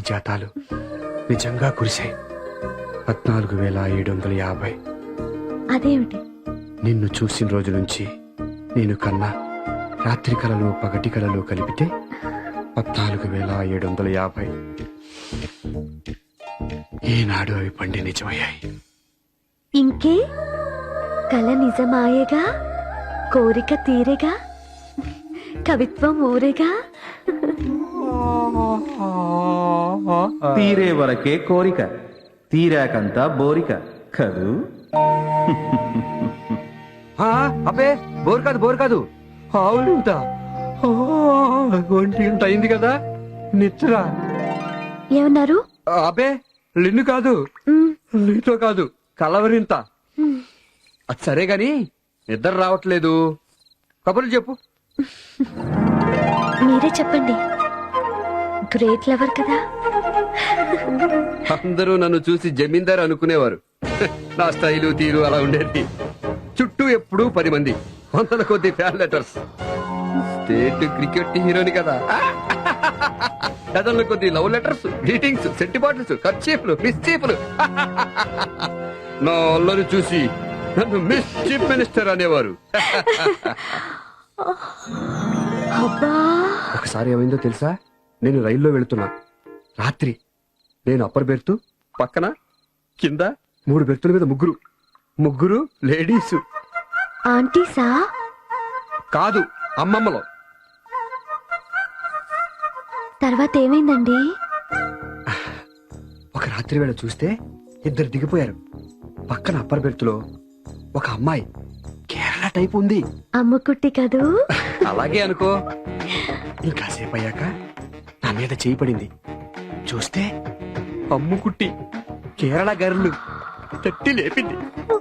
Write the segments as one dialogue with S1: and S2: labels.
S1: పారిజాతాలు నిజంగా కురిశాయి. 14,750.
S2: అదేమిటి?
S1: నిన్ను చూసిన రోజు నుంచి నేను కన్నా రాత్రి కలలు పగటి కలలు కలిపితే 14,750. ఈనాడు అవి పండి నిజమయ్యాయి.
S2: ఇంకే కల నిజమాయేగా, కోరిక తీరేగా, కవిత్వం ఊరేగా.
S3: తీరే వరకే కోరిక, తీరాకంతా బోరిక కదూ.
S1: అబ్బే బోర్ కాదు ఆవులింత. ఒంటి గంట అయింది కదా, నిద్ర.
S2: ఏమన్నారు?
S1: అబ్బే లిన్ను కాదు, నీతో కాదు, కలవరింత. అది సరే గాని నిద్ర రావట్లేదు, కబుర్లు చెప్పు.
S2: మీరే చెప్పండి, గ్రేట్ లవర్ కదా.
S1: అందరూ నన్ను చూసి జమీందార్ అనుకునేవారు. నా స్టైలు తీరు అలా ఉండేది. చుట్టూ ఎప్పుడూ 10 మంది, 100 కొద్ది ఫ్యాన్ లెటర్స్. స్టేట్ క్రికెట్ హీరోని కదా. డజన్ల కొద్ది love letters, greetings, scent bottles, కర్చీఫ్లు, మిస్చీఫ్లు. నా అల్లరి చూసి నన్ను మిస్ చీఫ్ మినిస్టర్ అనేవారు. ఒకసారి ఏమైందో తెలుసా? నేను రైల్లో వెళుతున్నా, రాత్రి. నేను అప్పర్ బెర్త్, పక్కన కింద 3 బెర్తుల మీద ముగ్గురు లేడీస్.
S2: ఆంటీసా?
S1: కాదు, అమ్మమ్మలో.
S2: తర్వాత ఏమైందండి?
S1: ఒక రాత్రి వేళ చూస్తే 2 దిగిపోయారు. పక్కన అప్పర్ బెర్త్లో ఒక అమ్మాయి కేరళ టైప్ ఉంది.
S2: అమ్ముకుట్టి కదూ.
S1: అలాగే అనుకో. ఇంకాసేపు అయ్యాక నా మీద చేయి పడింది. చూస్తే అమ్ముకుట్టి కేరళ గర్లు తట్టి లేపింది.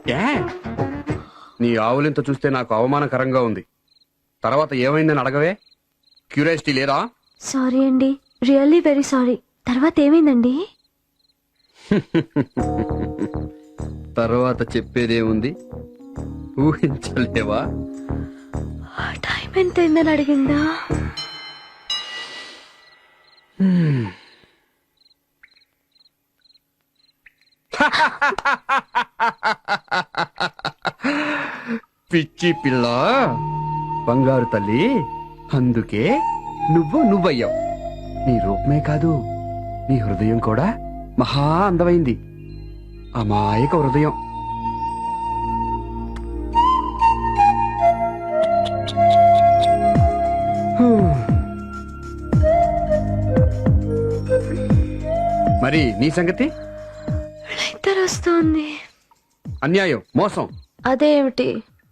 S1: నీ ఆవులింత చూస్తే నాకు అవమానకరంగా ఉంది. తర్వాత ఏమైందని అడగవే, క్యూరియాసిటీ లేదా?
S2: సారీ అండి, రియల్లీ వెరీ సారీ. తర్వాత ఏమైందండి?
S1: తర్వాత చెప్పేదేముంది, ఊహించలేవా?
S2: టైం ఎంత అయిందని అడిగిందా? పిచ్చి పిల్ల, బంగారు తల్లి, అందుకే నువ్వయ్యావు. నీ రూపమే కాదు, నీ హృదయం కూడా మహా అందమైంది. అమాయక హృదయం. మరి నీ సంగతి? ఇద్దరు వస్తుంది.
S1: అన్యాయం, మోసం.
S2: అదేమిటి?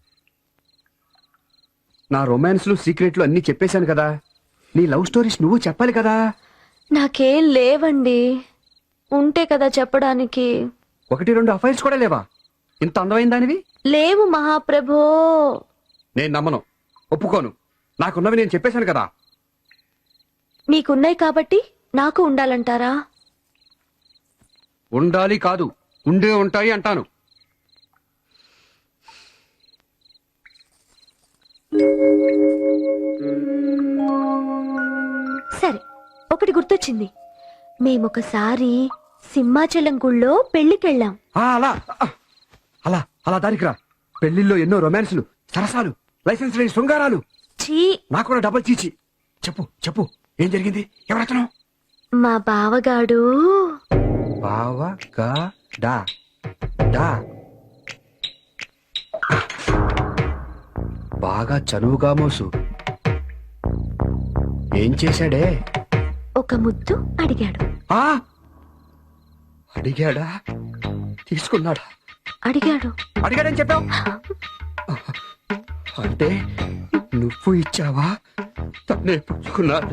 S1: నా రొమాన్స్లు, సీక్రెట్లు అన్ని చెప్పేశాను కదా. నీ లవ్ స్టోరీస్ నువ్వు చెప్పాలి కదా.
S2: నాకేం లేవండి, ఉంటే కదా చెప్పడానికి.
S1: 1-2 అఫైర్స్ కూడా లేవా? ఇంత అందమైన దానివి.
S2: లేవు మహాప్రభో.
S1: నేను నమ్మను, ఒప్పుకోను. నాకున్నవి నేను చెప్పేశాను కదా.
S2: మీకున్నాయి కాబట్టి నాకు ఉండాలంటారా?
S1: ఉండాలి కాదు, ఉండే ఉంటాయి అంటాను.
S2: సరే, ఒకటి గుర్తొచ్చింది. మేమొకసారి సింహాచలం గుళ్ళో పెళ్లికెళ్ళాం.
S1: అలా అలా అలా దానికి రా. పెళ్లిల్లో ఎన్నో రొమాన్స్లు, సరసాలు, లైసెన్స్ లేని శృంగారాలు.
S2: ఛీ,
S1: నాకు కూడా డబల్ చీచి. చెప్పు ఏం జరిగింది? ఎవరతను?
S2: మా బావగాడు.
S1: బాగా చనువుగా మోసు. ఏం చేశాడే?
S2: ఒక ముద్దు అడిగాడు.
S1: అడిగాడా? తీసుకున్నాడా?
S2: అడిగాడని
S1: చెప్పావు. అంటే నువ్వు ఇచ్చావా, తనే పుచ్చుకున్నాడు?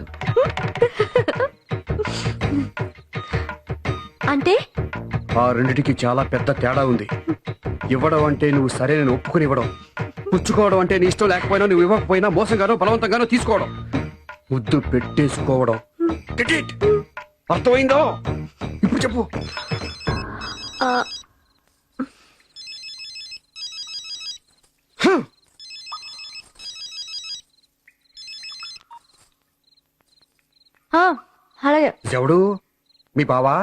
S2: అంటే
S1: ఆ రెండిటికి చాలా పెద్ద తేడా ఉంది. ఇవ్వడం అంటే నువ్వు సరే నేను ఒప్పుకుని ఇవ్వడం, పుచ్చుకోవడం అంటే నీ ఇష్టం లేకపోయినా నువ్వు ఇవ్వకపోయినా మోసంగానో బలవంతంగానో తీసుకోవడం, ముద్దు పెట్టేసుకోవడం. అర్థమైందో? ఇప్పుడు చెప్పు.
S2: అలాగే.
S1: ఎవడు? మీ బావా?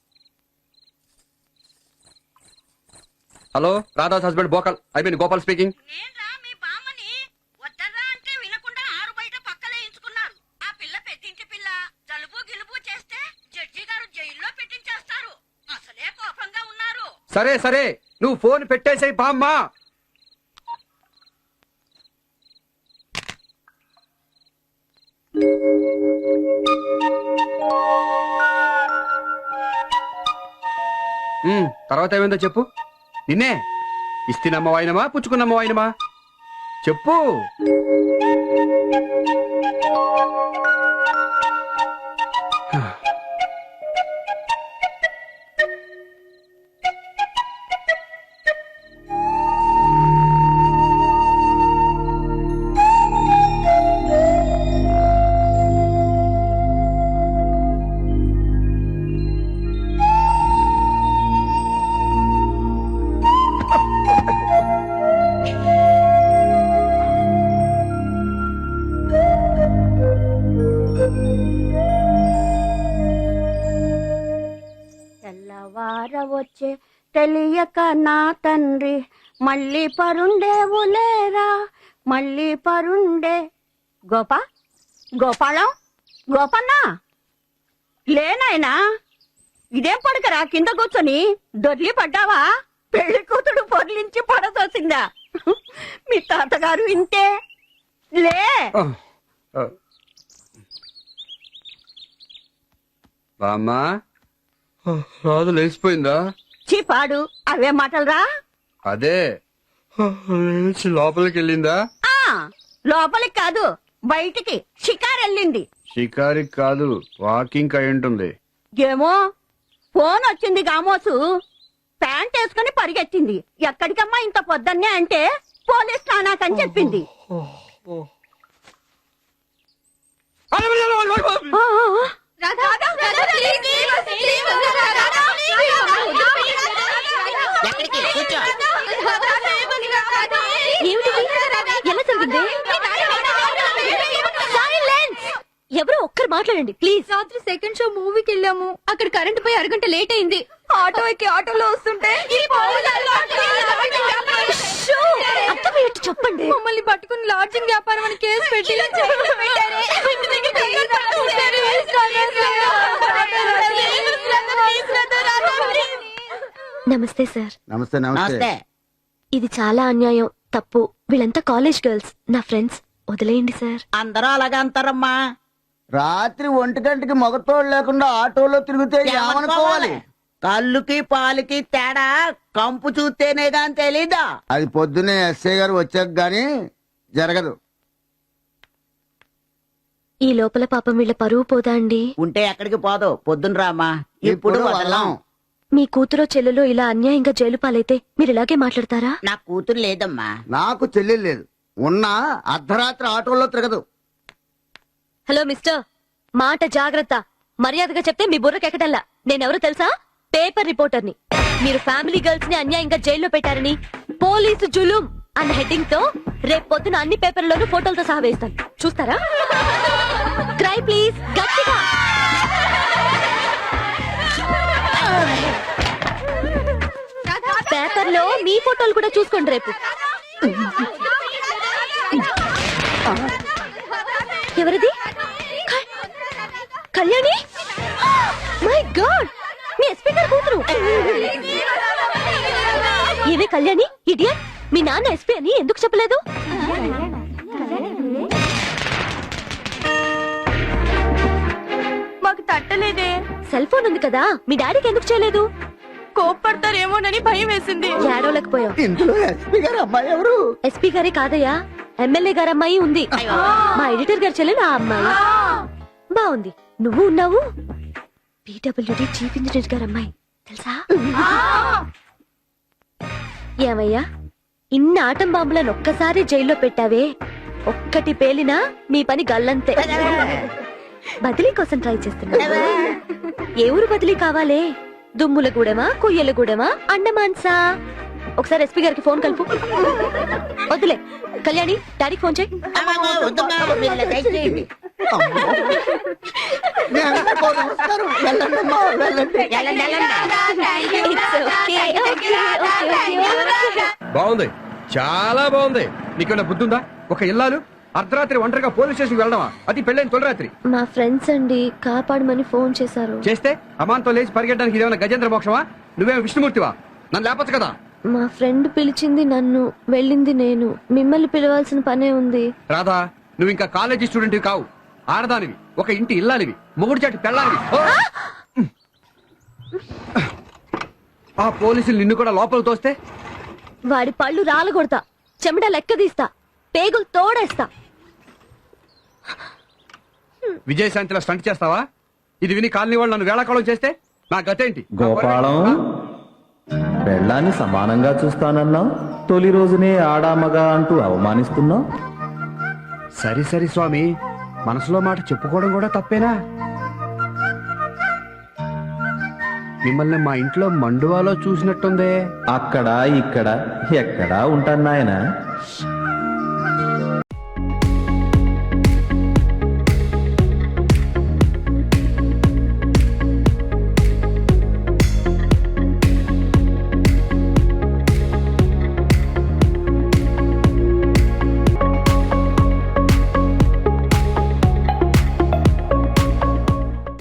S1: హలో, రాధాస్ హస్బెండ్ బోకల్. I mean Gopal speaking.
S4: నేన్రా మీ బామ్మని. వద్దరా అంటే వినకుండా ఆరు బయట పక్కలేయించుకున్నారు. ఆ పిల్ల పెద్దింటి పిల్ల జలుబు గిలుబు చేస్తే జడ్జి గారు జైల్లో పెట్టించేస్తారు. అసలే కోపంగా ఉన్నారు.
S1: సరే సరే, నువ్వు ఫోన్ పెట్టేసాయి బామ్మా. తర్వాత ఏమైందో చెప్పు. నిన్నే ఇస్తినమ్మ వాయినమా పుచ్చుకున్నమ్మ వాయినమా చెప్పు.
S4: తెల్లవారవచ్చే తెలియక నా తండ్రి మళ్ళీ పరుండేవులేరా మళ్ళీ పరుండే. గోపాలం గోపన్న లేనాయనా, ఇదేం పడకరా కింద కూర్చొని దొర్లి పడ్డావా? పెళ్లి కూతుడు పొర్లించి పడదోసిందా? మీ తాతగారు ఇంతే. లే
S1: బామ్మా, రాదు లేచిపోయిందా?
S4: చీపాడు అవే మాటలరా.
S1: అదే లేచి లోపలికి వెళ్ళిందా?
S4: లోపలికి కాదు బయటికి షికారు వెళ్ళింది.
S1: షికారికి కాదు, వాకింగ్ అయి ఉంటుంది.
S4: ఏమో ఫోన్ వచ్చింది గామోసు, ప్యాంట్ వేసుకుని పరిగెత్తింది. ఎక్కడికమ్మా ఇంత పొద్దున్నే అంటే పోలీస్ స్నానాకని చెప్పింది.
S2: ఎలా జరిగింది? ఎవరో ఒక్కరు మాట్లాడండి ప్లీజ్.
S5: రాత్రి సెకండ్ షో మూవీకి వెళ్ళాము. అక్కడ కరెంట్ పోయి అరగంట లేట్ అయింది. ఆటో ఎక్కి ఆటోలో వస్తుంటే
S2: అర్థమయ్యేట్టు చెప్పండి.
S5: మమ్మల్ని పట్టుకుని లాడ్జింగ్ వ్యాపారం అని కేసు పెట్టి
S2: నమస్తే సార్.
S6: నమస్తే నమస్తే.
S2: ఇది చాలా అన్యాయం, తప్పు. వీళ్ళంతా కాలేజ్ గర్ల్స్, నా ఫ్రెండ్స్. వదిలేయండి సార్.
S4: అందరూ అలాగే అంటారమ్మా.
S6: రాత్రి 1 గంటకి మగతోడు లేకుండా ఆటోలో తిరిగితే ఏమనుకోవాలి?
S4: కళ్ళుకి పాలకి తేడా కంపు చూస్తేనే గాని తెలీదా?
S6: అది పొద్దున్నే ఎస్ఐ గారు వచ్చాక గాని జరగదు.
S2: ఈ లోపల పాపం వీళ్ళ పరువు పోదా అండి?
S4: ఉంటే ఎక్కడికి పోదు, పొద్దున రామా. ఇప్పుడు వదలం.
S2: మీ కూతురో చెల్లెలో ఇలా అన్యాయంగా జైలు పాలైతే మీరు ఇలాగే మాట్లాడతారా?
S4: నా కూతురు లేదమ్మా.
S6: నాకు చెల్లెలు లేదు, ఉన్నా అర్ధరాత్రి ఆటోలో తిరగదు.
S2: హలో మిస్టర్, మాట జాగ్రత్త. మర్యాదగా చెప్తే మీ బుర్రకెక్కడల్లా. నేనెవరో తెలుసా? పేపర్ రిపోర్టర్ని. మీరు ఫ్యామిలీ గర్ల్స్ ని అన్యాయంగా జైల్లో పెట్టారని పోలీసు జులుం అన్న హెడ్డింగ్ తో రేపు పొద్దున అన్ని పేపర్లలోనూ ఫోటోలతో సహా వేస్తాను, చూస్తారా? క్రై ప్లీజ్, గట్టిగా. పేపర్లో మీ ఫోటోలు కూడా చూసుకోండి రేపు. ఎవరిది? కళ్యాణి? మై గాడ్, మీ ఎస్పీ గారు కూతురు. ఏమే కళ్యాణి, ఇడియట్, మీ నాన్న ఎస్పీ అని ఎందుకు చెప్పలేదు?
S5: మాకు తట్టలేదే.
S2: సెల్ ఫోన్ ఉంది కదా, మీ డాడీకి ఎందుకు చేయలేదు?
S5: కోప్పడతారేమోనని భయం వేసింది.
S2: ఏడవలేకపోయావు.
S6: ఇందులో ఎస్పీ గారు అమ్మాయి ఎవరు?
S2: ఎస్పీ గారే కాదయ్యా, ఎమ్మెల్యే గారు అమ్మాయి ఉంది. మా ఎడిటర్ గారు చెల్లెలు ఆ అమ్మాయి. బాగుంది, నువ్వు ఉన్నావు. PWD చీఫ్ ఇంజనీర్ గారు అమ్మాయి తెలుసా? ఏమయ్యా, ఇన్ని ఆటం బాంబులను ఒక్కసారి జైల్లో పెట్టావే, ఒక్కటి పేలినా మీ పని గల్లంతే. బదిలీ కోసం ట్రై చేస్తున్నా. ఏ ఊరు బదిలీ కావాలే? దుమ్ములగూడెమా, కొయ్యలగూడెమా, అండమాన్సా? ఒకసారి ఎస్పీ గారికి ఫోన్ కలుపు. వద్దులే కళ్యాణి, డాడీకి ఫోన్ చేయి.
S6: మీ అందరికీ నమస్కారం. వెళ్ళండి అమ్మా, వెళ్ళండి.
S2: It's okay, okay.
S1: బాగుంది, చాలా బాగుంది. నీకేమైనా బుద్ధి ఉందా? ఒక ఇల్లాలు అర్ధరాత్రి ఒంటరిగా పోలీస్ స్టేషన్ వెళ్ళడమా? అది పెళ్ళైన తొలి రాత్రి.
S2: మా ఫ్రెండ్స్ అండి కాపాడమని ఫోన్ చేశారు.
S1: చేస్తే అమాంతో లేచి పరిగెట్టడానికి ఇదేమైనా గజేంద్ర మోక్షమా? నువ్వేమో విష్ణుమూర్తివా? నన్ను లేపచ్చు కదా.
S2: మా ఫ్రెండ్ పిలిచింది నన్ను, వెళ్ళింది నేను. మిమ్మల్ని పిలవాల్సిన పనే ఉంది.
S1: రాధా, నువ్వు ఇంకా కాలేజీ స్టూడెంట్ కావు, ఆడదానివి, ఒక ఇంటి ఇల్లాలివి, మొగుడు చాటి పెళ్ళాలివి. ఓ! ఆ పోలీసులు నిన్ను కూడా లోపల తోస్తే
S2: వాడి పళ్ళు రాలగొడతా, చెమట లెక్క తీస్తా, పేగులు తోడేస్తా.
S1: విజయశాంతిలో స్టంట్ చేస్తావా? ఇది విని కాలనీ వాళ్ళు నన్ను వేళాకాలం చేస్తే నా గతేంటి?
S3: గోపాలం, పెళ్ళాన్ని సమానంగా చూస్తానన్నావు, తొలి రోజునే ఆడామగా అంటూ అవమానిస్తున్నావు.
S1: సరి సరి స్వామి, మనసులో మాట చెప్పుకోవడం కూడా తప్పేనా? మిమ్మల్ని మా ఇంట్లో మండువాలో చూసినట్టుందే.
S3: అక్కడ ఇక్కడ ఎక్కడా ఉంటాను నాయనా.